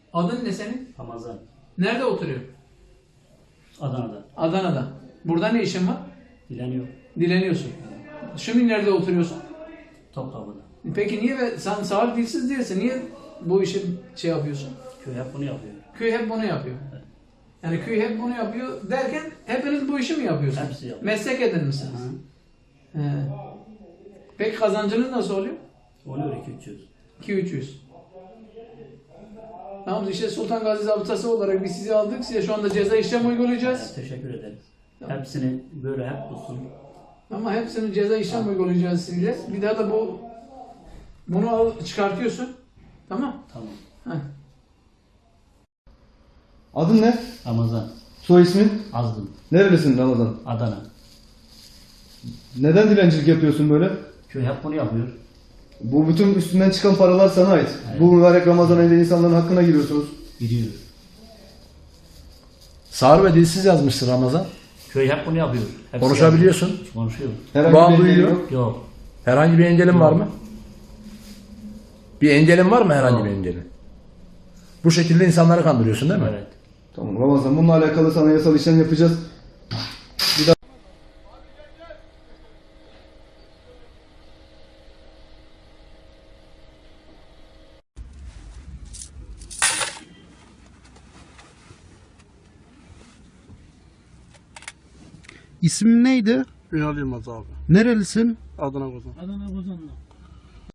Adın ne senin? Ramazan. Nerede oturuyor? Adana'da. Adana'da. Burada ne işin var? Dileniyor. Dileniyorsun. Şimdi nerede oturuyorsun? Topkapı'da. Peki niye sen sağır dilsiz değilsin? Niye bu işi şey yapıyorsun? Köy hep bunu yapıyor. Köy hep bunu yapıyor. Yani köy hep bunu yapıyor derken hepiniz bu işi mi yapıyorsunuz? Hepsi yapıyor. Meslek edinmişsiniz. He. Peki kazancınız nasıl oluyor? Oluyor 200-300. 2-300. Tamam işte Sultan Gazi Zabıtası olarak biz sizi aldık. Size şu anda ceza işlem uygulayacağız. Teşekkür ederiz. Hepsini böyle hep tutsun. Ama hepsini ceza işlem uygulayacağız size. Bir daha da bunu al çıkartıyorsun. Tamam? Tamam. Heh. Adın ne? Ramazan. Soy ismin? Azdım. Nerelisin Ramazan? Adana. Neden dilencilik yapıyorsun böyle? Köy hep bunu yapıyor. Bu bütün üstünden çıkan paralar sana ait. Evet. Bu mübarek Ramazan ayında insanların hakkına giriyorsunuz. Gidiyor. Sağır ve dilsiz yazmıştır Ramazan. Köy hep bunu yapıyor. Hepsi Konuşabiliyorsun. yapıyor. Konuşuyor. Herhangi Bağ bir engeli duyuyor. yok. Yok. Herhangi bir engelin var mı? Bir engelin var mı herhangi bir engelin? Bu şekilde insanları kandırıyorsun değil mi? Evet. Tamam Ramazan, bununla alakalı sana yasal işlem yapacağız. İsmin neydi? Ünal Yılmaz abi. Nerelisin? Adana Kozan. Adana Kozanlı.